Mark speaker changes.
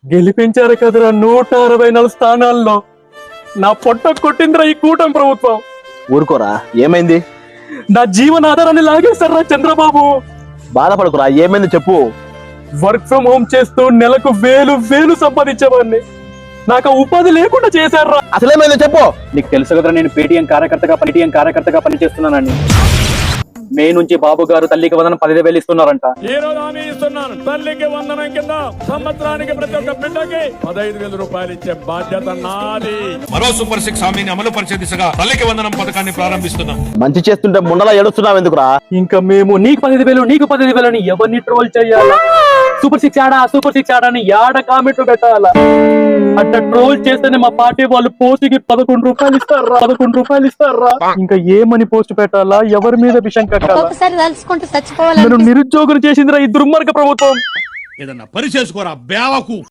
Speaker 1: గెలిపించారు కదరా 164 స్థానాల్లో. నా పొట్ట కొట్టిందిరా ఈ కూటమి ప్రభుత్వం.
Speaker 2: ఊరుకోరా, ఏమైంది?
Speaker 1: నా జీవనాధారాన్ని లాగేశారా చంద్రబాబు.
Speaker 2: బాధపడకురా, ఏమైంది చెప్పు.
Speaker 1: వర్క్ ఫ్రం హోమ్ చేస్తూ నెలకు వేలు సంపాదించేవాడిని. నాకు ఉపాధి లేకుండా చేశారా.
Speaker 2: అసలేమైంది చెప్పు.
Speaker 1: నీకు తెలుసు కదరా, నేను పేటీఎం కార్యకర్తగా పనిచేస్తున్నానని. మే నుంచి బాబు గారు తల్లికి వందనం 10,000 ఇస్తున్నారంట.
Speaker 3: ఈ రోజు హామీ ఇస్తున్నాను, తల్లికి వందనం కింద సంవత్సరానికి ప్రతి ఒక్క బిడ్డకి 15,000 రూపాయలు ఇచ్చే బాధ్యత నాది.
Speaker 4: మరో సూపర్ 6 హామీని అమలు పరిచే దిశగా తల్లికి వందనం పథకాన్ని ప్రారంభిస్తున్నాం.
Speaker 2: మంచి చేస్తుంటే ముండలా ఏడుస్తున్నావు ఎందుకురా?
Speaker 1: ఇంకా మేము నీకు 15,000 అని ఎవరిని ట్రోల్ చేయాలా? సూపర్ సిక్స్ ఆడా అని యాడ కామెంట్లు పెట్టాలా? అట్లా ట్రోల్ చేస్తేనే మా పార్టీ వాళ్ళు పోస్టుకి 11 రూపాయలు ఇస్తారా? ఇంకా ఏమని పోస్ట్ పెట్టాలా? ఎవరి మీద విషయం కట్టాలా?
Speaker 5: తలుచుకుంటూ చచ్చిపోవాలి.
Speaker 1: నేను నిరుద్యోగులు చేసిందిరా ఈ దుర్మార్గ ప్రభుత్వం.
Speaker 4: ఏదన్నా పని చేసుకోరా బేవకు.